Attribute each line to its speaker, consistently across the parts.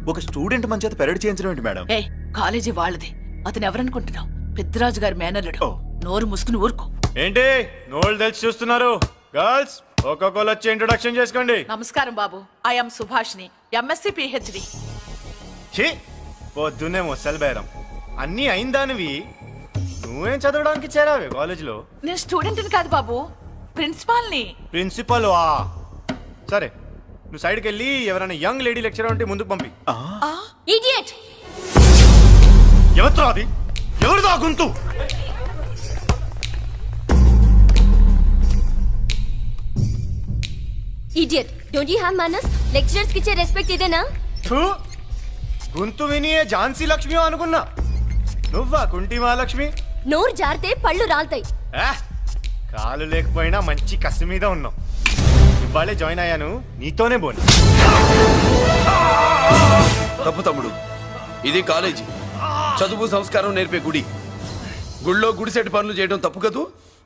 Speaker 1: ఒక స్టూడెంట్ మన చేత పెరడ్ చేయించడం ఏంటి మేడం?
Speaker 2: ఏ కాలేజీ వాళ్ళది, అతను ఎవరనుకుంటున్నావు? పెద్దరాజు గారి మేనల్లుడు. నోరు ముసుకుని ఊరుకో.
Speaker 3: ఏంటి నోళ్ళు తెలిసి చూస్తున్నారు? గర్ల్స్ ఒక్కొక్కరు వచ్చి ఇంట్రొడక్షన్ చేసుకోండి.
Speaker 2: నమస్కారం బాబు, ఐఎమ్ సుభాష్ని, ఎంఎస్సి పిహెచ్డి.
Speaker 3: ఛీ, పొద్దున్నే ముసలి బేరం అన్నీ అయిందానివి. నువ్వేం చదవడానికి చేరావే కాలేజీలో?
Speaker 2: నేను స్టూడెంట్ని కాదు బాబు, ప్రిన్సిపాల్ని.
Speaker 3: ప్రిన్సిపల్ సరే, నువ్వు సైడ్కి వెళ్ళి ఎవరైనా యంగ్ లేడీ లెక్చరర్ ఉంటే ముందుకు పంపి.
Speaker 4: ఇడియట్!
Speaker 3: ఎవరితో అది? ఎవరిదో గుంతు?
Speaker 4: ఇడియట్! డోంట్ యు హావ్ మనస్? లెక్చరర్స్ కి ఇచ్చే రెస్పెక్ట్ ఇదేనా?
Speaker 3: గుంతు విని ఝాన్సీ లక్ష్మి అనుకున్నా. నువ్వా కుంటి మహాలక్ష్మి?
Speaker 4: నోరు జారితే పళ్ళు రాల్తాయి.
Speaker 3: కాలు లేకపోయినా మంచి కసి మీద ఉన్నావు. ఇవాళే జాయిన్ అయ్యాను, నీతోనే బోని.
Speaker 5: తప్పు తమ్ముడు, ఇది కాలేజీ, చదువు సంస్కారం నేర్పే గుడి. గుళ్ళో గుడిసెట్టి పనులు చేయడం తప్పు కదూ?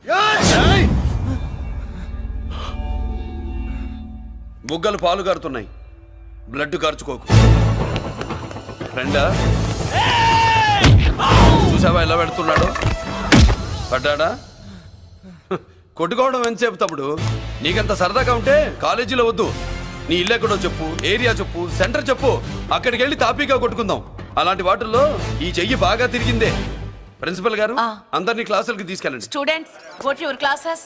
Speaker 5: బుగ్గలు పాలు కారుతున్నాయి, బ్లడ్ కార్చుకోకు. ఫ్రెండా, చూసావా ఎలా పెడుతున్నాడు? పడ్డాడా? కొట్టుకోవడం ఎంతసేపు తమ్ముడు? నీకంత సరదాగా ఉంటే కాలేజీలో వద్దు. నీ ఇల్లు ఎక్కడో చెప్పు, ఏరియా చెప్పు, సెంటర్ చెప్పు, అక్కడికి వెళ్ళి తాపీగా కొట్టుకుందాం. అలాంటి వాటిల్లో ఈ చెయ్యి బాగా తిరిగిందే. ప్రిన్సిపల్ గారు, అందరినీ క్లాసులకి తీసుకెళ్ళండి.
Speaker 2: Students, go to your classes.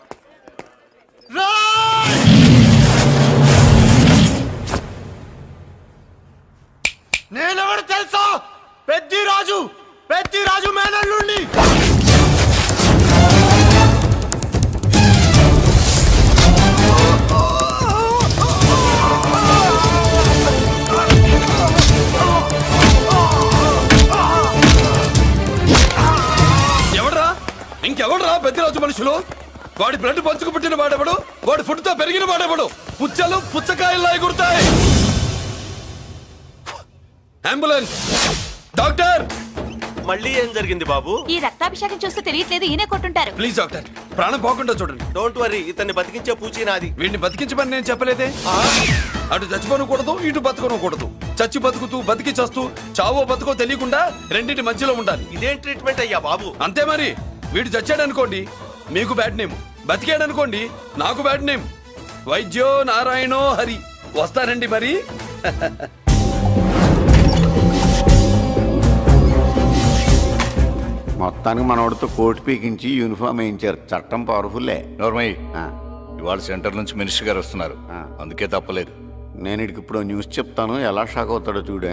Speaker 3: నేనెవరు తెలుసా? పెద్దిరాజు, పెద్దిరాజు మేనల్లుండి.
Speaker 5: ఎవడ్రా? ఇంకెవడ్రా పెద్దిరాజు మనుషులు? వాడి బ్లడ్ పంచుకు పుట్టిన వాడెవడు? వాడి ఫుడ్ తో పెరిగిన వాడెవడు? పుచ్చలు పుచ్చకాయల్లా ఎగురుతాయి. అంబులెన్స్! డాక్టర్!
Speaker 6: మళ్ళీ ఏం జరిగింది బాబు?
Speaker 4: ఈ రక్తాభిషేకం చూస్తే తెలియట్లేదు, ఈయనే కొట్టుంటారు.
Speaker 5: ప్లీజ్ డాక్టర్, ప్రాణం పోకుండా చూడండి.
Speaker 6: డోంట్ వరీ, ఇతన్ని బతికించే పూచి నాది.
Speaker 5: వీడిని బతికించమని నేను చెప్పలేదే. అటు చచ్చిపోనకూడదు, ఇటు బతకనకూడదు. చచ్చి బతుకుతూ, బతికి చస్తూ, చావో బతుకో తెలియకుండా రెండింటి మధ్యలో ఉండాలి.
Speaker 6: ఇదేం ట్రీట్మెంట్ అయ్యా బాబు?
Speaker 5: అంతే మరి. వీడు చచ్చాడనుకోండి మీకు బ్యాడ్ నేమ్, బతికాడనుకోండి నాకు బ్యాడ్ నేమ్. వైద్యో నారాయణో హరి. వస్తానండి మరి.
Speaker 7: మొత్తానికి మనోడితో కోట్ పీకించి యూనిఫామ్ వేయించారు. చట్టం పవర్ఫుల్లే.
Speaker 8: నోర్మయ్, ఇవాళ సెంటర్ నుంచి మినిస్టర్ గారు వస్తున్నారు, అందుకే తప్పలేదు.
Speaker 7: నేను ఇడికి ఇప్పుడు న్యూస్ చెప్తాను, ఎలా షాక్ అవుతాడో చూడే.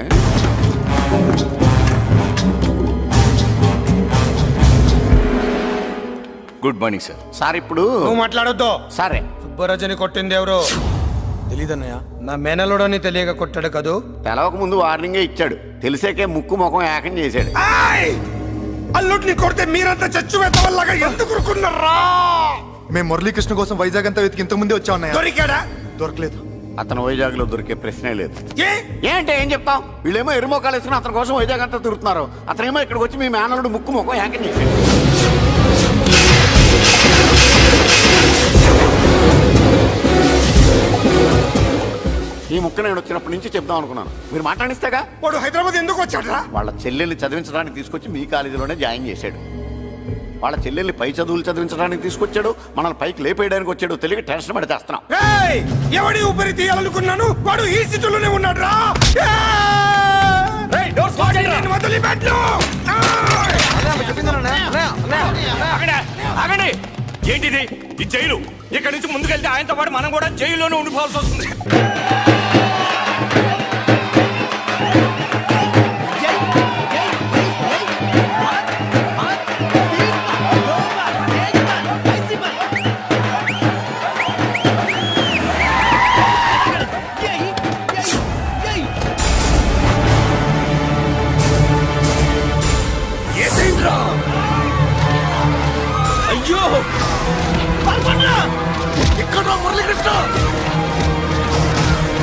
Speaker 8: Good morning sir.
Speaker 7: సార్ ఇప్పుడు
Speaker 9: నువ్వు మాట్లాడొద్దు.
Speaker 7: సరే,
Speaker 9: సుబ్బరాజుని కొట్టింది ఎవరు? తెలీదన్నయ్య, నా మేనలోడని తెలియక కొట్టాడు కదూ.
Speaker 7: తెలవక ముందు వార్నింగే ఇచ్చాడు, తెలిసాకే ముక్కు ముఖం ఏకం చేశాడు.
Speaker 9: అల్లుడిని కొడితే మీరంతా చచ్చు వెతవల్లాగా ఎందుకు రుకున్నారా?
Speaker 1: మేము మురళీకృష్ణ కోసం వైజాగ్ అంతా వెతికి ఇంతకు ముందే వచ్చా ఉన్నాయా?
Speaker 9: దొరికాడా?
Speaker 1: దొరకలేదు.
Speaker 7: అతను వైజాగ్ లో దొరికే ప్రశ్నే లేదు.
Speaker 9: ఏ?
Speaker 7: ఏంటే ఏం చెప్తాం? వీళ్ళేమో ఎరుమోకాలు వేసుకుని అతని కోసం వైజాగ్ అంతా తిరుగుతున్నారు. అతనేమో ఇక్కడికి వచ్చి మీ మేనలుడు ముక్కు ముఖం ఏకం చేశాడు. ఈ ముక్క నేను వచ్చినప్పటి నుంచి చెప్దాం అనుకున్నాను, మీరు మాట్లాడిస్తేగా.
Speaker 9: వాడు హైదరాబాద్ ఎందుకు వచ్చాడరా?
Speaker 7: వాళ్ళ చెల్లెల్ని చదివించడానికి తీసుకొచ్చి మీ కాలేజీలోనే జాయిన్ చేశాడు. వాళ్ళ చెల్లెల్ని పై చదువులు చదివించడానికి తీసుకొచ్చాడు, మనల్ని పైకి లేపేయడానికి వచ్చాడు. తెలియక టెన్షన్ పడి చేస్తున్నాం.
Speaker 9: ఎవడి ఊపిరి తీయాలనుకున్నాను, వాడు ఈ స్థితిలోనే ఉన్నాడు రా.
Speaker 6: ఏంటిది ఈ జైలు? ఇక్కడి నుంచి ముందుకెళ్తే ఆయనతో పాటు మనం కూడా జైల్లోనే ఉండిపోవాల్సి వస్తుంది.
Speaker 5: అయ్యో ఇక్కడ మురళీకృష్ణ!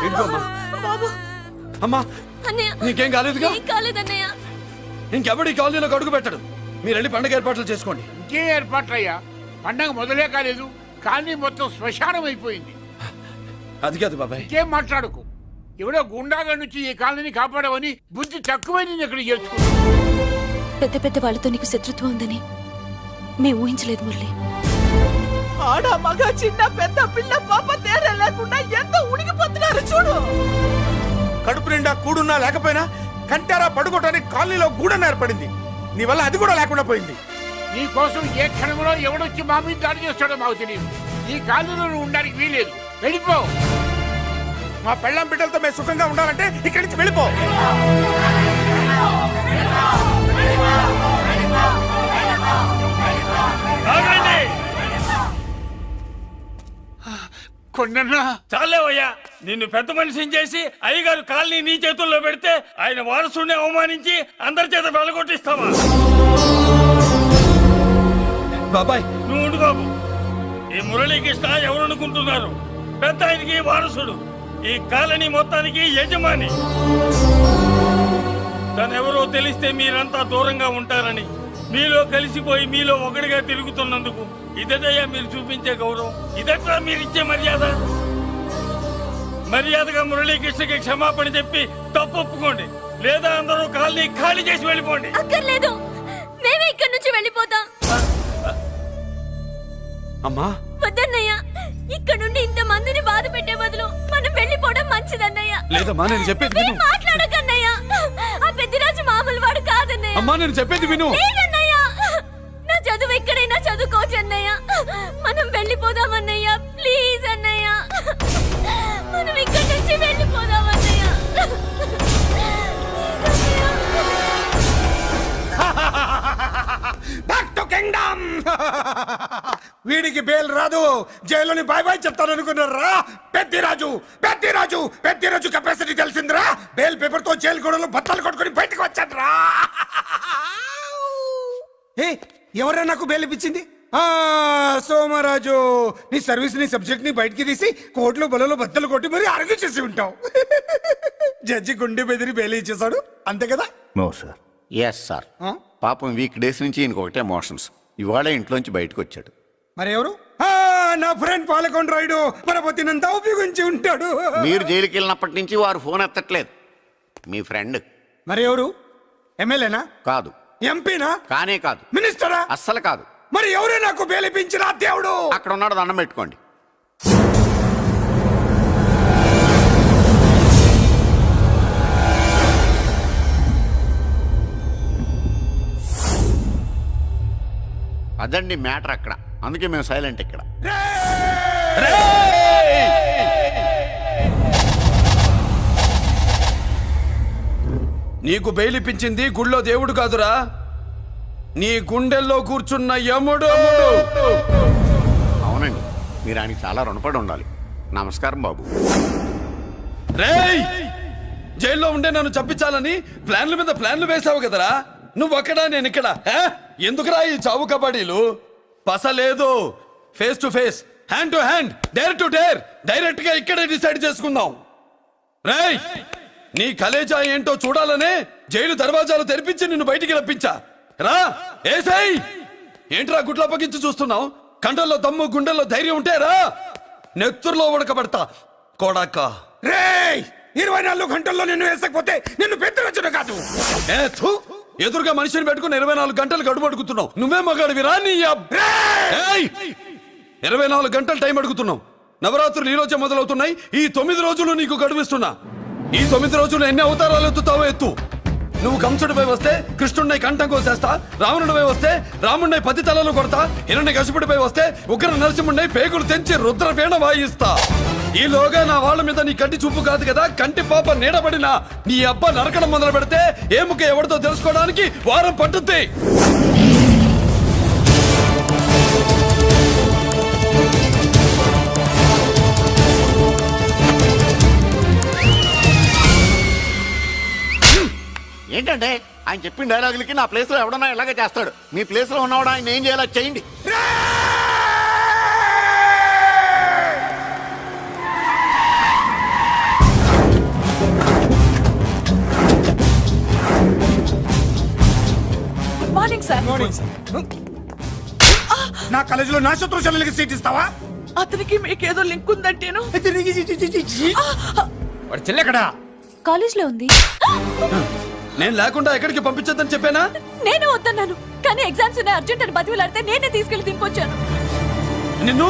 Speaker 5: ఏంటమ్మా?
Speaker 2: బాబు
Speaker 5: అమ్మా
Speaker 4: అన్నయ్య
Speaker 5: నీకేం కాలేదుగా?
Speaker 4: ఏం కాలేదన్నయ్య.
Speaker 5: ఇంకెవడి కాలనీలో అడుగు పెట్టడు. మీరు వెళ్ళి పండగ ఏర్పాట్లు చేసుకోండి.
Speaker 10: ఇంకే ఏర్పాట్లయ్యా? పండగ మొదలే కాలేదు, కానీ మొత్తం శ్మశానం అయిపోయింది.
Speaker 5: అది కాదు బాబాయ్.
Speaker 10: ఇంకేం మాట్లాడుకు. ఎవడో గుండాగా నుంచి ఈ కాలనీని కాపాడవని బుద్ధి తక్కువై నేను ఇక్కడ చేర్చుకున్నాను.
Speaker 4: పెద్ద పెద్ద వాళ్ళతో నీకు శత్రుత్వం ఉందని మేము ఊహించలేదు మురళి.
Speaker 2: ఆడ మగ చిన్న పెద్ద పిల్ల పాప తేడా లేకుండా ఎంత ఉడికిపోతున్నారు చూడు.
Speaker 9: కడుపు నిండా కూడున్నా లేకపోయినా కంటారా పడుకోవటానికి కాలనీలో గూడన ఏర్పడింది. నీ వల్ల అది కూడా లేకుండా పోయింది.
Speaker 10: నీ కోసం ఏ క్షణంలో ఎవడొచ్చి మా మీద దాడి చేస్తాడో మాకు తెలియదు. ఈ కాలనీలో నువ్వు ఉండడానికి వీలేదు. వెళ్ళిపో.
Speaker 9: మా పెళ్ళం బిడ్డలతో మేము సుఖంగా ఉండాలంటే ఇక్కడి నుంచి వెళ్ళిపో.
Speaker 10: కొండన్నా
Speaker 6: చాలేవయ్యా, నిన్ను పెద్ద మనిషిని చేసి అయ్యగారు కాలనీ నీ చేతుల్లో పెడితే ఆయన వారసుని అవమానించి అందరి చేత వెళ్ళగొట్టిస్తావా?
Speaker 5: బాబాయ్
Speaker 6: నువ్వు ఉండు బాబు. ఈ మురళీకృష్ణ ఎవరు అనుకుంటున్నారు? పెద్ద ఆయనకి వారసుడు, ఈ కాలనీ మొత్తానికి యజమాని. తనెవరో తెలిస్తే మీరంతా దూరంగా ఉంటారని మీలో కలిసిపోయి మీలో ఒకటిగా తిరుగుతున్నందుకు ఇదటయ్యా మీరు చూపించే గౌరవం, ఇదట్లా మీరిచ్చే మర్యాద. మర్యాదగా మురళీకృష్ణకి క్షమాపణ చెప్పి తప్పు ఒప్పుకోండి, లేదా అందరూ కాలనీ ఖాళీ చేసి వెళ్ళిపోండి.
Speaker 4: అక్కర్లేదు, మేమే ఇక్కడి నుంచి వెళ్ళిపోతాం.
Speaker 5: అమ్మా
Speaker 4: వద్దన్నయ్య, ఇక్కడ నుండి ఇంత మందిని బాధ పెట్టే బదులు మనం వెళ్ళిపోవడం మంచిదన్నయ్య.
Speaker 5: లేదమ్మా, నేను చెప్పేది విను.
Speaker 4: మాట్లాడకన్నయ్య, ఆ పెద్దిరాజు మామూలు వాడు కాదన్నయ్య.
Speaker 5: అమ్మా నేను చెప్పేది విను.
Speaker 4: లేదన్నయ్య, నా చదువు ఎక్కడైనా చదువుకోవచ్చు అన్నయ్య. మనం వెళ్ళిపోదామన్నయ్య, ప్లీజ్ అన్నయ్య. మనం ఇక్కడి నుంచి వెళ్ళిపోదామన్నయ్య.
Speaker 9: Back to kingdom. వీడికి బెయిల్ రాదు, జైల్లోని బాయ్ బాయ్ చెప్తాను అనుకున్నారా? పెద్దిరాజు పెద్దిరాజు పెద్దిరాజు కెపాసిటీ తెలిసిందిరా. బెయిల్ పేపర్ తో జైలు గోడలు బత్తలు కొట్టుకుని బయటకు వచ్చాడ్రా. ఏ ఎవరా నాకు బెయిల్ ఇప్పించింది? సోమరాజు, నీ సర్వీస్ నీ సబ్జెక్ట్ ని బయటికి తీసి కోర్టులో బలలో బద్దలు కొట్టి మరి ఆర్గ్యూ చేసి ఉంటావు. జడ్జి గుండె బెదిరి బెయిల్ ఇచ్చేసాడు, అంతే కదా?
Speaker 7: No sir. Yes sir. పాపం వీక్ డేస్ నుంచి ఈయనకు ఒకటే ఎమోషన్స్. ఇవాళ ఇంట్లోంచి బయటకు వచ్చాడు.
Speaker 9: మరి ఎవరు? నా ఫ్రెండ్ పాలకొండ రాయుడు పరపతినంతా ఉపయోగించి ఉంటాడు.
Speaker 7: మీరు జైలుకి వెళ్ళినప్పటి నుంచి వారు ఫోన్ ఎత్తట్లేదు. మీ ఫ్రెండ్.
Speaker 9: మరి ఎవరు? ఎమ్మెల్యేనా?
Speaker 7: కాదు.
Speaker 9: ఎంపీనా?
Speaker 7: కానే కాదు.
Speaker 9: మినిస్టరా?
Speaker 7: అస్సలు కాదు.
Speaker 9: మరి ఎవరే నాకు బేలిపించిన దేవుడు?
Speaker 7: అక్కడ ఉన్నాడు, దండం పెట్టుకోండి. అదండి మ్యాటర్ అక్కడ. అందుకే మేము సైలెంట్ ఇక్కడ.
Speaker 5: నీకు బెయిలిపించింది గుళ్ళో దేవుడు కాదురా, నీ గుండెల్లో కూర్చున్న యముడు.
Speaker 7: అవునండి, మీరు ఆయనకి చాలా రుణపడి ఉండాలి. నమస్కారం బాబు.
Speaker 5: రేయ్, జైల్లో ఉండే నన్ను చంపించాలని ప్లాన్ల మీద ప్లాన్లు వేసావు కదరా. నువ్వు అక్కడ నేను ఇక్కడ. ఎందుకురా ఈ చావు కబడ్డీలు? పస లేదు. Face to face, hand to hand, dare to dare, direct గా ఇక్కడే డిసైడ్ చేసుకుందాం. రేయ్, నీ కలేజా ఏంటో చూడాలనే జైలు దర్వాజాలు తెరిపించి నిన్ను బయటికి రప్పించా. రా ఏసై. ఏంట్రా గుడ్ల పగించి చూస్తున్నావు? కండల్లో దమ్ము గుండెల్లో ధైర్యం ఉంటే రా, నెత్తుర్లో ఉడకబడతా కోడాక.
Speaker 9: రేయ్, 24 గంటల్లో నిన్ను వేసకపోతే నిన్ను పెద్దరొచ్చును కాదు.
Speaker 5: ఎదురుగా మనిషిని పెట్టుకుని 24 గంటలు గడుపు అడుగుతున్నావు. నువ్వే మగాడివిరా నీ 24 గంటలు టైం అడుగుతున్నావు. నవరాత్రులు ఈ రోజే మొదలవుతున్నాయి. ఈ 9 రోజులు నీకు గడువిస్తున్నా. ఈ 9 రోజులు ఎన్ని అవతారాలు ఎత్తుతావో ఎత్తు. నువ్వు కంసుడిపై వస్తే కృష్ణుడిని కంఠం కోసేస్తా, రావణుడిపై వస్తే రాముడిని 10 తలలు కొడతా, హిరణ్య కశిపుడిపై వస్తే ఉగ్ర నరసింహుడిని పేగులు తెంచి రుద్రవీణ వాయిస్తా. ఈలోగా నా వాళ్ళ మీద నీ కంటి చూపు కాదు కదా, కంటి పాప నీడబడిన నీ అబ్బ నరకడం మొదలు పెడితే ఏముక ఎవరితో తెలుసుకోవడానికి వారం పట్టుద్ది.
Speaker 7: ఏంటంటే ఆయన చెప్పిన డైలాగులకి నా ప్లేస్లో ఎవడన్నా ఇలాగే చేస్తాడు. మీ ప్లేస్లో ఉన్నవాడు ఆయన ఏం చేయాలో చేయండి.
Speaker 9: నా కాలేజీలో నా శత్రు చెల్లెలకి సీట్ ఇస్తావా?
Speaker 2: అతనికి మీకేదో లింక్ ఉందంటేను.
Speaker 9: వాడి చెల్లె ఎక్కడా?
Speaker 4: కాలేజ్ లో ఉంది.
Speaker 5: నేను లేకుండా ఎక్కడికి పంపించొద్దని చెప్పానా?
Speaker 4: నేను వద్దన్నాను, కానీ ఎగ్జామ్స్ ఉన్నాయి అర్జెంట్ అని బతిలాడితే నేనే తీసుకెళ్లి దింపొచ్చాను.
Speaker 5: నిన్ను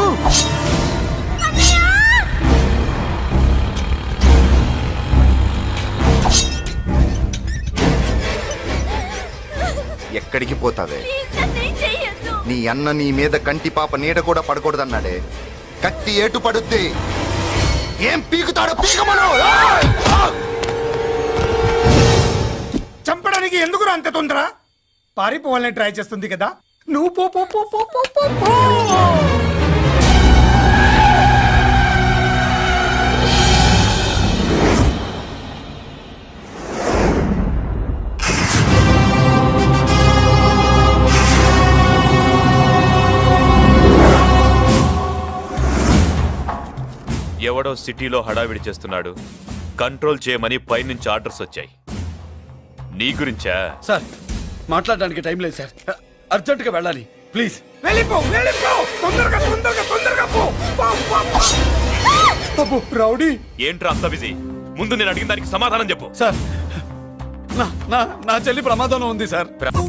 Speaker 1: ఎక్కడికి పోతావే?
Speaker 4: ప్లీజ్ నన్నేం చెయ్యొద్దు.
Speaker 1: నీ అన్న నీ మీద కంటి పాప నీడ కూడా పడకూడదన్నాడే. కత్తి ఏటు పడుద్ది. ఏం పీకుతాడో పీకమను.
Speaker 9: చంపడానికి ఎందుకు అంత తొందర? పారిపోవాలని ట్రై చేస్తుంది కదా. నువ్వు పో పో పో పో పో పో పో.
Speaker 11: ఎవడో సిటీలో హడావిడి చేస్తున్నాడు, కంట్రోల్ చేయమని పైనుంచి ఆర్డర్స్ వచ్చాయి. నీ గురించా?
Speaker 5: సార్ మాట్లాడడానికి టైం లేదు సార్, అర్జెంటుగా వెళ్ళాలి ప్లీజ్.
Speaker 9: వెళ్ళిపో వెళ్ళిపో, తొందరగా తొందరగా తొందరగా పో. పో, పో, పో. అబ్బో, రౌడీ.
Speaker 11: ఏంట్రా అంత బిజీ? ముందు నేను అడిగిన దానికి సమాధానం చెప్పు.
Speaker 5: సార్ నా నా నా చెల్లి ప్రమాదంలో ఉంది సార్.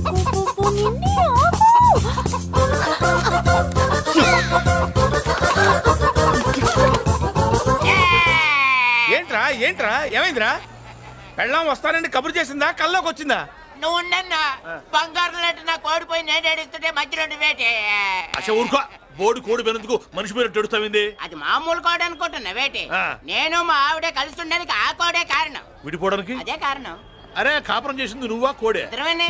Speaker 10: ఏంట్రా ఏంట్రా ఏమైందిరా? పెళ్ళాం వస్తానండి కబురు చేసిందా, కల్లోకి వచ్చిందా?
Speaker 12: నువ్వు ఉండన్నా బంగారు లాంటి నాకు ఓడిపోయి నేను ఏడుస్తుంటే మధ్యలో వేటే.
Speaker 11: అసలు ఊరుకో, బోర్డు కోడి పెనందుకు మనిషి మీద తెడుస్తావింది.
Speaker 12: అది మామూలు కోడి అనుకుంటున్నా వేటే.
Speaker 11: ఆ.
Speaker 12: నేను మా ఆవిడే కలిసి ఉండడానికి ఆ కోడే కారణం.
Speaker 11: విడిపోవడానికి
Speaker 12: అదే కారణం.
Speaker 11: అరే కాపురం చేసింది నువ్వా కోడే?
Speaker 12: ఇద్దరమేనే.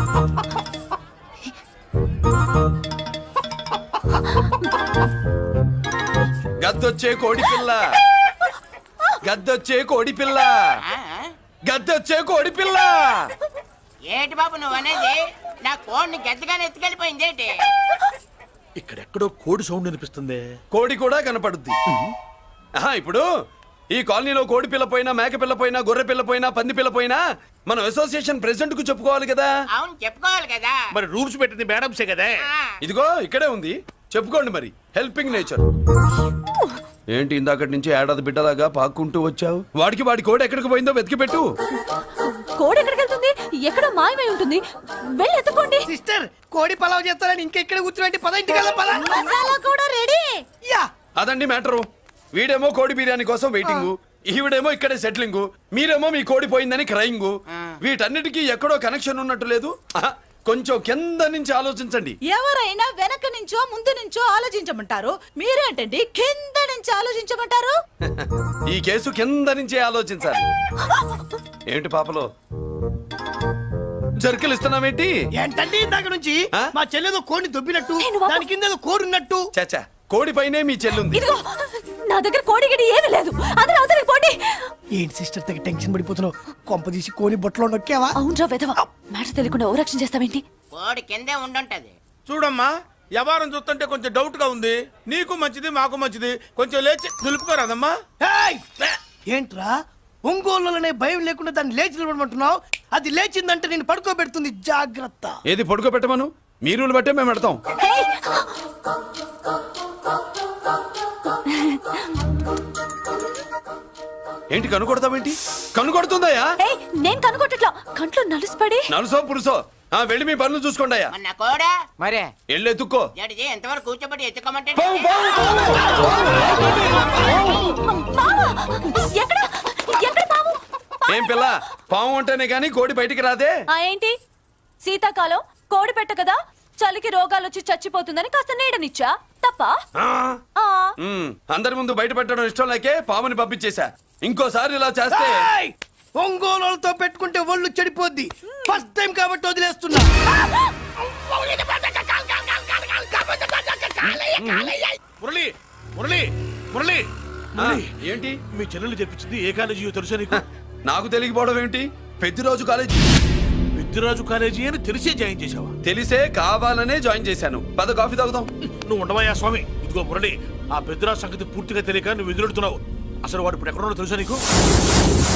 Speaker 5: గద్దొచ్చే కోడి పిల్ల, గద్దొచ్చే కోడి పిల్ల,
Speaker 12: ఆ?
Speaker 5: గద్దొచ్చే కోడి పిల్ల.
Speaker 12: ఏటి బాబు నువ్వు అనేది? నా కోడిని గెద్దగానే ఎత్తుకెళ్ళిపోయింది ఏంటి?
Speaker 11: ఇక్కడెక్కడో కోడి సౌండ్ అనిపిస్తుంది.
Speaker 5: కోడి కూడా కనపడుద్ది. ఆహా, ఇప్పుడు ఈ కాలనీలో కోడి పిల్ల పోయినా, మేక పిల్ల పోయినా, గొర్రె పిల్ల పోయినా, పంది పిల్ల పోయినా మనం అసోసియేషన్ ప్రెసిడెంట్ కు చెప్పుకోవాలి కదా.
Speaker 12: అవును చెప్పుకోవాలి కదా.
Speaker 11: మరి రూల్స్ పెట్టింది మేడమ్సే కదా.
Speaker 12: ఆ.
Speaker 5: ఇదిగో ఇక్కడే ఉంది, చెప్పుకోండి మరి. Helping nature. ఏంటి ఇందాకటి నుంచి ఏడాది బిడ్డలాగా పాక్కుంటూ వచ్చావు? వాడికి వాడి కోడి ఎక్కడికి పోయిందో వెతికి పెట్టు.
Speaker 4: కోడి ఎక్కడికి వెళ్తుంది? ఎక్కడో మాయమై ఉంటుంది. వెళ్ళి ఎత్తుకోండి.
Speaker 10: సిస్టర్ కోడి పలావ్ చేస్తారని ఇంకెక్కడ కూర్చోండి, పద ఇంటికి వెళ్దాం, పద.
Speaker 4: మసాలా కూడా రెడీ.
Speaker 10: యా.
Speaker 5: అదండి మ్యాటరు. వీడేమో కోడి బిర్యానీ కోసం వెయిటింగ్, ఈవిడేమో ఇక్కడే సెటిలింగ్, మీరేమో మీ కోడి పోయిందని క్రయింగ్. వీటన్నిటికీ ఎక్కడో కనెక్షన్ ఉన్నట్టు లేదు. ఆహా, కొంచెం కింద నుంచి ఆలోచించండి.
Speaker 2: ఎవరైనా వెనక నుంచో ముందు నుంచో ఆలోచించమంటారు, మీరేంటండి కింద నుంచి ఆలోచించమంటారు?
Speaker 5: ఈ కేసు కింద నుంచే ఆలోచించాలి. ఏంటి పాపలో జర్కలు ఇస్తున్నావేంటి?
Speaker 10: ఏంటంటే ఇందాక నుంచి
Speaker 5: ఆ?
Speaker 10: మా చెల్లెదో కోడిని దొబ్బినట్టు,
Speaker 4: నేను బాబు.
Speaker 10: దాని కింద ఏదో కోడి ఉన్నట్టు.
Speaker 5: చాచా, కోడి పైనే మీ చెల్లుంది.
Speaker 4: ఇదిగో నా దగ్గర కోడి గిడి ఏమీ లేదు. అందరూ అవతలికి పోండి.
Speaker 10: ఏంటి సిస్టర్ తగ్గ టెన్షన్ పడిపోతున్నావు? కొంప తీసి కోని బొట్టలో నొక్కావా?
Speaker 4: అవునరా వెధవ, మాట తెలియకుండా ఓ రక్షణ చేస్తావేంటి?
Speaker 12: కోడి కిందే ఉండుంటది.
Speaker 10: చూడమ్మా, వ్యవహారం చూస్తుంటే కొంచెం డౌట్ గా ఉంది. నీకు మంచిది మాకు మంచిది, కొంచెం లేచి నిలుపుకోరాదమ్మా. ఏంట్రా ఒంగోలులోనే భయం లేకుండా దాన్ని లేచి నిలబడమంటున్నావు? అది లేచిందంటే నేను పడుకోబెడుతుంది, జాగ్రత్త.
Speaker 5: ఏది పడుకోబెట్టమను, మీ రూల్ బట్టే మేము పెడతాం. ఏంటి కనుకొడతావేంటి? కనుకొడుతుందయ్యా?
Speaker 4: ఏయ్, నేను కనుగొట్టట్లా, కంట్లో నలుసుపడి.
Speaker 5: నలుసో పురుసో, వెళ్ళి మీ పనులు చూసుకోండి అయ్యా.
Speaker 12: మన కోడా
Speaker 10: మరే
Speaker 5: వెళ్ళి ఎత్తుక్కో.
Speaker 12: జడిజీ ఎంతవరకు కూర్చోబెట్టి ఎత్తుకోమంటే
Speaker 5: పావు, పావు,
Speaker 4: పావా? ఎక్కడ ఎక్కడ పావు?
Speaker 5: ఏం పిల్ల, పాము అంటేనే గాని కోడి బయటికి రాదే.
Speaker 4: ఆ ఏంటి? శీతాకాలం కోడి పెట్ట కదా, చలికి రోగాలు వచ్చి చచ్చిపోతుందని కాస్త నీడనిచ్చా, తప్ప? ఆ.
Speaker 5: అందరి ముందు బయట పెట్టడం ఇష్టం లేకే పాముని పంపించేశా. ఇంకోసారి ఇలా చేస్తే
Speaker 10: ఒంగోలుతో పెట్టుకుంటే ఒళ్ళు చెడిపోద్ది. ఫస్ట్ టైం కాబట్టి వదిలేస్తున్నా.
Speaker 11: మురళి మురళి మురళి
Speaker 5: ఏంటి
Speaker 11: మీ చెల్లెలు చెప్పించింది ఏ కాలేజీ తెలుసా నీకు?
Speaker 5: నాకు తెలియకపోవడం ఏంటి? పెద్దిరాజు కాలేజీ.
Speaker 11: పెద్దిరాజు కాలేజీ అని తెలిసే జాయిన్ చేసావా?
Speaker 5: తెలిసే కావాలనే జాయిన్ చేశాను. పద కాఫీ తాగుదాం.
Speaker 11: నువ్వు ఉండవయ్యా స్వామి. ఇదిగో మురళి, ఆ పెద్దిరాజు సంగతి పూర్తిగా తెలియక నువ్వు ఎదురెడుతున్నావు. అసలు వాడు ఇప్పుడు ఎక్కడున్నాడో తెలుసా నీకు?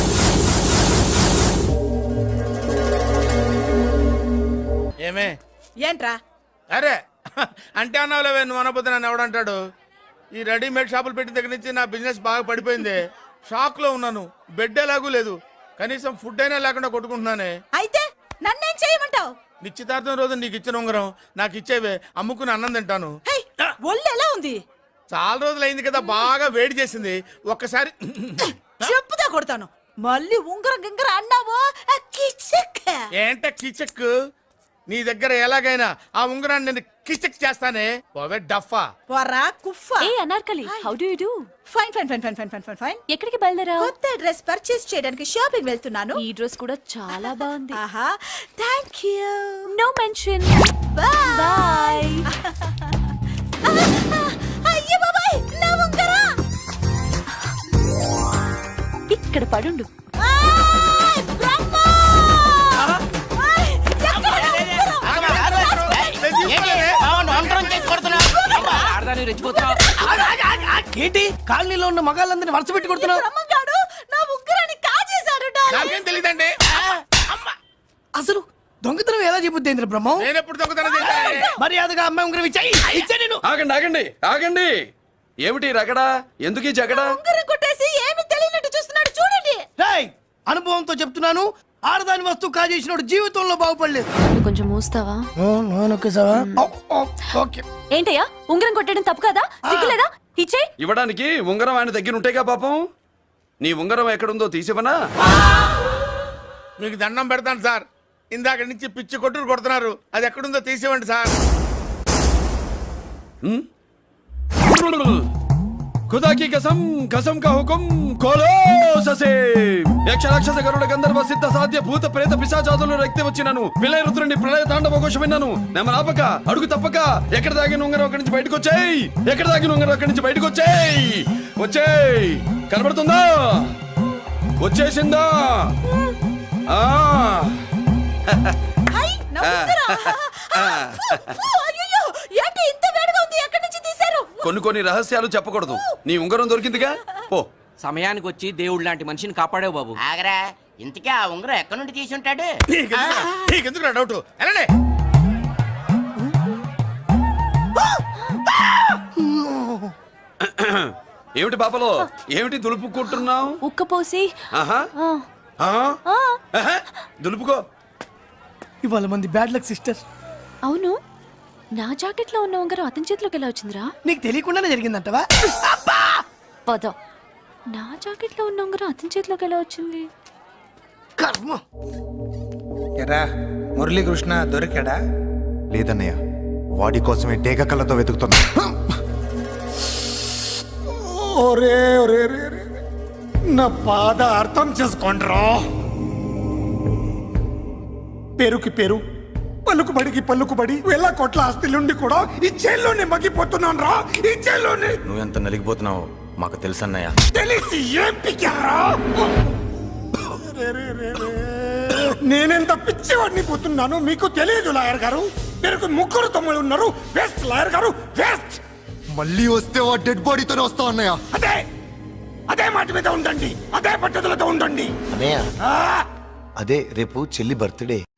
Speaker 10: ఏమే
Speaker 2: ఏంట్రా
Speaker 10: అరే అంటే అన్నావులేవే, నువ్వు అనబోతే నన్ను ఎవడంటాడు. ఈ రెడీమేడ్ షాపులు పెట్టిన దగ్గర నుంచి నా బిజినెస్ బాగా పడిపోయింది. షాక్ లో ఉన్నాను. బెడ్ ఎలాగూ లేదు, కనీసం ఫుడ్ అయినా లేకుండా కొట్టుకుంటున్నానే.
Speaker 2: అయితే నన్నేం చేయమంటావు?
Speaker 10: నిశ్చితార్థం రోజు నీకు ఇచ్చిన ఉంగరం నాకు ఇచ్చేవే, అమ్ముకుని అన్నం తింటాను.
Speaker 2: ఒళ్ళు ఎలా ఉంది?
Speaker 10: చాలా రోజులు అయింది కదా, బాగా వేడి చేసింది. ఒక్కసారి
Speaker 2: చెప్పుదా కొడతాను. మళ్ళీ ఉంగరం గింగర అన్నావు
Speaker 10: ఏంట కిచక్? నీ దగ్గర ఎలాగైనా ఆ ఉంగరాన్ని నేను కిచక్ చేస్తానే. పోవే డఫా.
Speaker 2: పోరా కుఫ్ఫా.
Speaker 4: ఏ Anarkali, how do you do?
Speaker 2: Fine fine fine fine fine fine fine fine.
Speaker 4: ఎక్కడికి బయలుదేరావు?
Speaker 2: కొత్త డ్రెస్ పర్చేస్ చేయడానికి షాపింగ్ వెళ్తున్నాను.
Speaker 4: ఈ డ్రెస్ కూడా చాలా బాగుంది.
Speaker 2: ఆహా, thank you.
Speaker 4: No mention.
Speaker 2: Bye. అయ్యో బాబాయ్, నా ఉంగరం
Speaker 4: ఇక్కడ పడుండు.
Speaker 10: ఏంటి కాలనీలో ఉన్న మగాళ్ళందరినీ వరుస పెట్టి కొడుతున్నావు?
Speaker 2: బ్రహ్మంగాడు నా ఉంగరాన్ని కాజేశాడు.
Speaker 10: నాకేం తెలియదండి. అసలు దొంగతనం ఎలా చెబుద్ది బ్రహ్మం? నేను ఎప్పుడు దొంగతనం చేశాను? మర్యాదగా అమ్మాయి ఉంగరం ఇచ్చా నేను.
Speaker 5: ఆగండి ఆగండి ఆగండి. ఏమిటి రగడా? ఎందుకు ఈ జగడా?
Speaker 2: ఉంగరం కొట్టేసి ఏమీ తెలియనట్టు చూస్తున్నాడు, చూడండి.
Speaker 10: రేయ్, అనుభవంతో చెప్తున్నాను, ఆడదాని వస్తువు కాజేసినోడు జీవితంలో బాగుపడలేదు.
Speaker 4: కొంచెం మూస్తావా?
Speaker 10: ఓకే.
Speaker 4: ఏంటయ్యా, ఉంగరం కొట్టడం తప్పు కదా? సిగ్గులేదా? ఇచ్చే.
Speaker 5: ఇవ్వడానికి ఉంగరం ఆయన దగ్గర ఉంటేగా పాపం. నీ ఉంగరం ఎక్కడుందో తీసివనా?
Speaker 10: మీకు దండం పెడతాను సార్, ఇందాక నుంచి పిచ్చి కొట్టుడు కొడుతున్నారు. అది ఎక్కడుందో తీసివ్వండి సార్.
Speaker 5: खुदा की कसम कसम का हुकुम खोलो ससे యక్ష రాక్షస గరుడ గంధర్వ సిద్ధ సాధ్య భూత ప్రేత పిశాచాదులను రక్తి వచ్చినాను విలయ రుద్రుని ప్రళయ తాండవ ఘోషం విన్నాను. నెమరాపక అడుగు తప్పక ఎక్కడ దాగిన ఉంగరం అక్కడి నుంచి బయటకు వచ్చేయ్. ఎక్కడ దాగిన ఉంగరం అక్కడి నుంచి బయటకు వచ్చేయ్. వచ్చేయ్. కనబడుతుందా? వచ్చేసిందా?
Speaker 2: హై, నా ఉంగరం. అయ్యో, ఏంటి ఇంత వేడిగా ఉంది? ఎక్కడి నుంచి తీశారు?
Speaker 5: కొన్ని రహస్యాలు చెప్పకూడదు. నీ ఉంగరం దొరికిందిగా, పో.
Speaker 12: సమయానికి వచ్చి దేవుడు లాంటి మనిషిని కాపాడావు బాబు. ఆగరా, ఇంతకీ ఆ ఉంగరం ఎక్కడి నుండి తీసి ఉంటాడు?
Speaker 10: నీకెందుకు డౌట్? వెళ్ళండి.
Speaker 5: ఏమిటి పాపలో, ఏమిటి దులుపుకుంటున్నావు?
Speaker 4: ఉక్కపోసి.
Speaker 5: ఆహా. దులుపుకో.
Speaker 10: ఇవాళ మంది బ్యాడ్ లక్ సిస్టర్.
Speaker 4: అవును, నా జాకెట్ లో ఉన్న ఉంగరం అతని చేతిలోకి ఎలా వచ్చిందిరా?
Speaker 10: నీకు తెలియకుండానే జరిగిందంటవా?
Speaker 4: పద. నా జాకెట్ లో ఉన్న ఉంగరం అతని చేతిలోకి ఎలా వచ్చింది?
Speaker 10: కర్మ.
Speaker 9: ఎరా మురళీకృష్ణ దొరికాడా?
Speaker 1: లేదన్నయ్య, వాడి కోసమే డేగ కళ్ళతో వెతుకుతున్నా.
Speaker 9: ఒరే ఒరే ఒరే ఒరే, నా బాధ అర్థం చేసుకోండిరా. పేరుకి పేరు, పలుకుబడికి పలుకుబడి, వేల కోట్ల ఆస్తిలుండి కూడా ఈ జైల్లోనే మగ్గిపోతున్నాను రా. ఈ జైల్లోనే.
Speaker 3: నువ్వెంత నలిగిపోతున్నావు మాకు తెలుసన్నయ్య.
Speaker 9: తెలిసి ఏం పిక్కారా? నేనెంత పిచ్చివాడిని పోతున్నాను మీకు తెలియదు లాయర్ గారు. మీరు ముగ్గురు తమ్ముళ్ళు ఉన్నారు. వేస్ట్ లాయర్ గారు, వేస్ట్.
Speaker 1: మళ్ళీ వస్తే ఆ డెడ్ బాడీతోనే వస్తా అన్నయ్య.
Speaker 9: అదే మాట మీద ఉండండి, అదే పద్ధతులతో ఉండండి.
Speaker 3: అదే రేపు చెల్లి బర్త్డే.